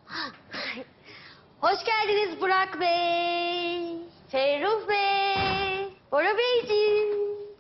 Hoş geldiniz Burak Bey, Ferruh Bey, Bora Beyciğim.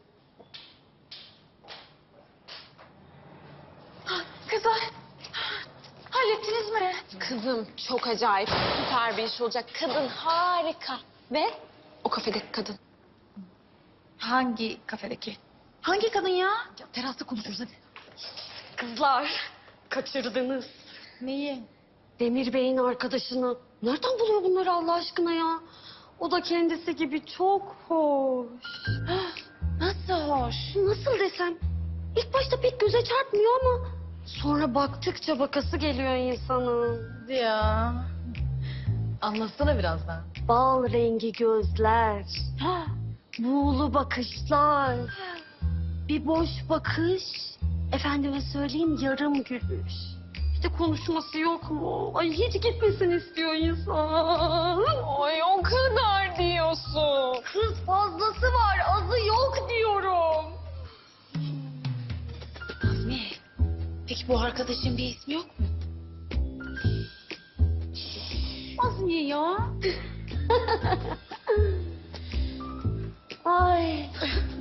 Kızlar, hallettiniz mi? Kızım çok acayip, süper bir iş olacak. Kadın harika. Ve o kafedeki kadın. Hangi kafedeki? Hangi kadın ya? Terasta konuşuruz hadi. Kızlar, kaçırdınız. Neyi? Demir Bey'in arkadaşını. Nereden buluyor bunları Allah aşkına ya? O da kendisi gibi çok hoş. Nasıl hoş? Nasıl desem? İlk başta pek göze çarpmıyor ama... sonra baktıkça bakası geliyor insanın. Ya. Anlatsana biraz daha. Bal rengi gözler, buğulu bakışlar, bir boş bakış, efendime söyleyeyim yarım gülüş. İşte konuşması yok mu? Ay hiç gitmesin istiyor insan. Ay o kadar diyorsun. Kız fazlası var, azı yok diyorum. Azmi, peki bu arkadaşın bir ismi yok mu? Azmi ya. Ay.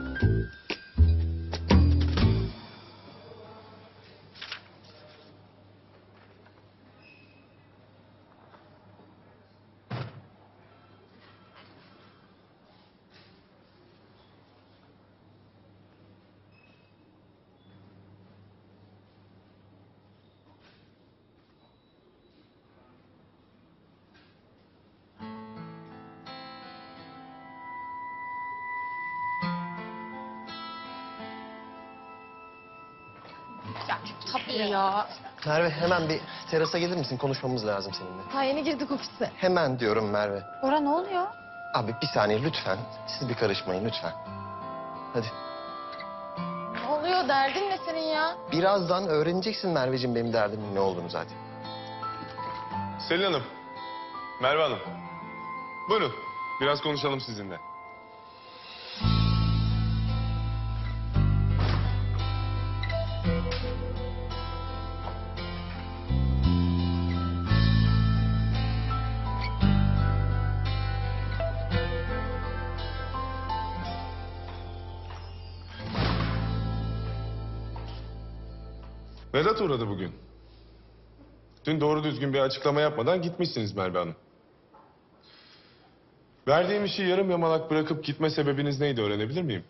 Tabii ya. Merve hemen bir terasa gelir misin? Konuşmamız lazım seninle. Ha yeni girdik ofise. Hemen diyorum Merve. Bora ne oluyor? Abi bir saniye lütfen. Siz bir karışmayın lütfen. Hadi. Ne oluyor? Derdin ne senin ya? Birazdan öğreneceksin Merveciğim benim derdimin ne olduğunu zaten. Selin Hanım, Merve Hanım. Buyurun, biraz konuşalım sizinle. Vedat uğradı bugün. Dün doğru düzgün bir açıklama yapmadan gitmişsiniz Merve Hanım. Verdiğim işi yarım yamalak bırakıp gitme sebebiniz neydi öğrenebilir miyim?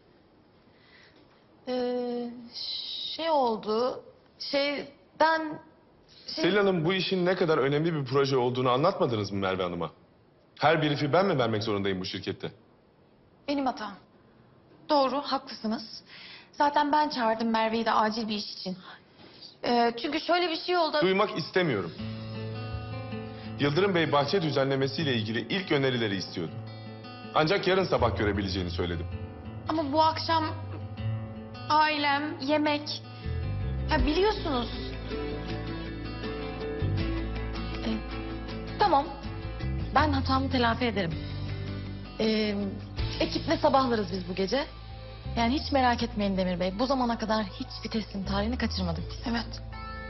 Şey oldu. Ben... Selin Hanım bu işin ne kadar önemli bir proje olduğunu anlatmadınız mı Merve Hanım'a? Her brief'i ben mi vermek zorundayım bu şirkette? Benim hatam. Doğru, haklısınız. Zaten ben çağırdım Merve'yi de acil bir iş için. Çünkü şöyle bir şey oldu. Duymak istemiyorum. Yıldırım Bey bahçe düzenlemesiyle ilgili ilk önerileri istiyordu. Ancak yarın sabah görebileceğini söyledim. Ama bu akşam ailem, yemek... Ya biliyorsunuz. Tamam. Ben hatamı telafi ederim. Ekiple sabahlarız biz bu gece. Yani hiç merak etmeyin Demir Bey. Bu zamana kadar hiçbir teslim tarihini kaçırmadık biz. Evet.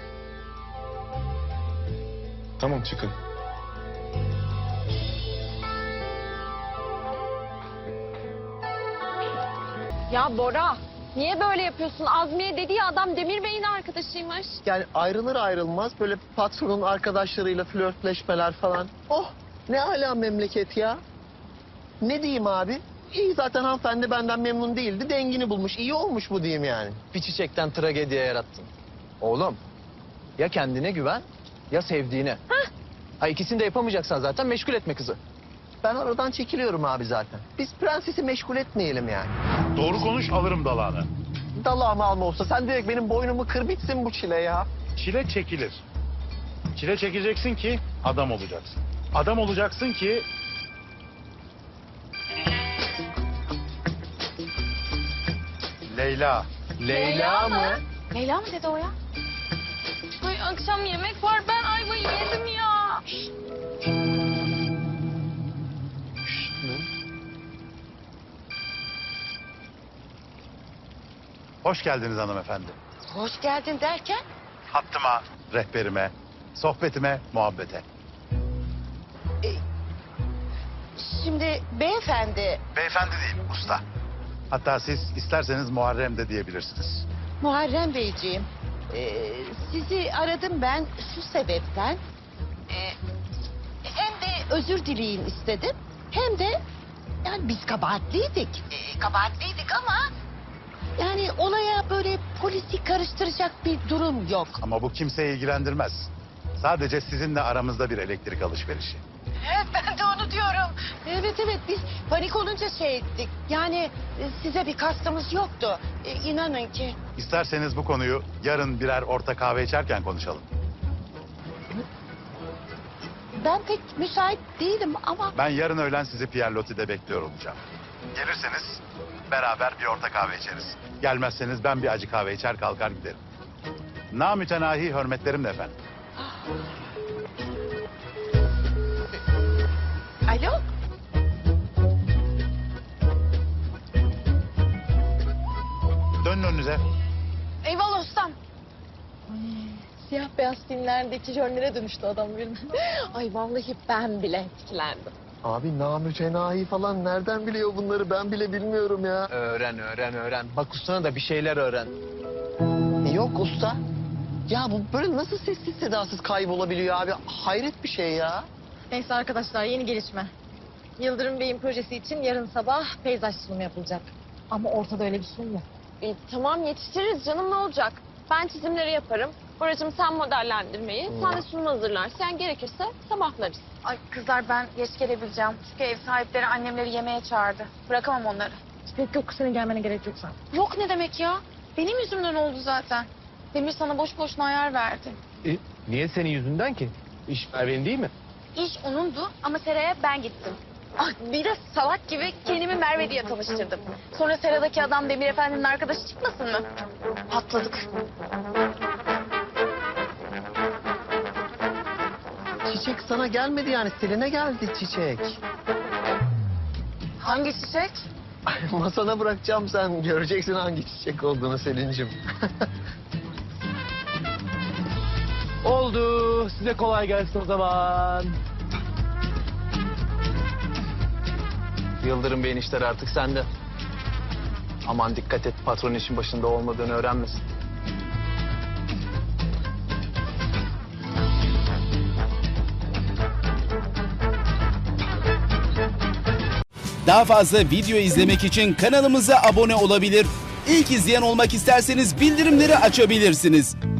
Tamam çıkın. Ya Bora, niye böyle yapıyorsun? Azmiye dediği adam Demir Bey'in arkadaşıymış. Yani ayrılır ayrılmaz böyle patronun arkadaşlarıyla flörtleşmeler falan. Oh ne âlâ memleket ya. Ne diyeyim abi? İyi zaten hanımefendi benden memnun değildi. Dengini bulmuş. İyi olmuş bu diyeyim yani. Bir çiçekten tragediye yarattın. Oğlum, ya kendine güven ya sevdiğine. Ha ikisini de yapamayacaksan zaten meşgul etme kızı. Ben oradan çekiliyorum abi zaten. Biz prensesi meşgul etmeyelim yani. Doğru konuş alırım dalağını. Dalağımı alma olsa sen direkt benim boynumu kır bitsin bu çile ya. Çile çekilir. Çile çekeceksin ki adam olacaksın. Adam olacaksın ki... Leyla. Leyla mı? Leyla mı dedi o ya? Ay akşam yemek var, ben ayvayı yedim ya. Hoş geldiniz hanımefendi. Hoş geldin derken? Hattıma, rehberime, sohbetime, muhabbete. şimdi beyefendi Beyefendi değil, usta. Hatta siz isterseniz Muharrem de diyebilirsiniz. Muharrem Beyciğim, sizi aradım ben şu sebepten. Hem de özür dileyin istedim, hem de yani biz kabahatliydik. Kabahatliydik ama yani olaya böyle polisi karıştıracak bir durum yok. Ama bu kimseyi ilgilendirmez. Sadece sizinle aramızda bir elektrik alışverişi. Evet, ben de onu diyorum. Evet, biz panik olunca şey ettik. Yani size bir kastımız yoktu. İnanın ki. İsterseniz bu konuyu yarın birer orta kahve içerken konuşalım. Ben pek müsait değilim ama... Ben yarın öğlen sizi Pierre Loti'de bekliyor olacağım. Gelirseniz beraber bir orta kahve içeriz. Gelmezseniz ben bir acı kahve içer kalkar giderim. Namütenahi hürmetlerimle efendim. Alo? Dönün önünüze. Eyvallah ustam. Siyah beyaz filmlerdeki jönlere dönüştü adam birden. Ay vallahi ben bile etkilendim. Abi namütenahi falan nereden biliyor bunları, ben bile bilmiyorum ya. Öğren. Bak ustana da bir şeyler öğren. Yok usta. Ya bu böyle nasıl sessiz sedasız kaybolabiliyor abi? Hayret bir şey ya. Neyse arkadaşlar yeni gelişme. Yıldırım Bey'in projesi için yarın sabah peyzaj sunumu yapılacak. Ama ortada öyle bir sunum yok. Tamam yetiştiririz canım ne olacak? Ben çizimleri yaparım. Buracığım sen modellendirmeyi, sen de sunum hazırlarsın. Yani gerekirse sabahlarız. Ay kızlar ben geç gelebileceğim. Çünkü ev sahipleri annemleri yemeğe çağırdı. Bırakamam onları. Yok senin gelmene gerek yok sen. Yok ne demek ya? Benim yüzümden oldu zaten. Demir sana boş boşuna ayar verdi. Niye senin yüzünden ki? İş Merve'nin değil mi? İş onundu ama Sera'ya ben gittim. Ah, bir de salak gibi kendimi Merve diye tanıştırdım. Sonra Sera'daki adam Demir Efendi'nin arkadaşı çıkmasın mı? Patladık. Çiçek sana gelmedi yani, Selin'e geldi çiçek. Hangi çiçek? Masana bırakacağım, sen göreceksin hangi çiçek olduğunu Selin'cim. Oldu. Size kolay gelsin o zaman. Yıldırım Bey'in işleri artık sende. Aman dikkat et, patron işin başında olmadığını öğrenmesin. Daha fazla video izlemek için kanalımıza abone olabilir. İlk izleyen olmak isterseniz bildirimleri açabilirsiniz.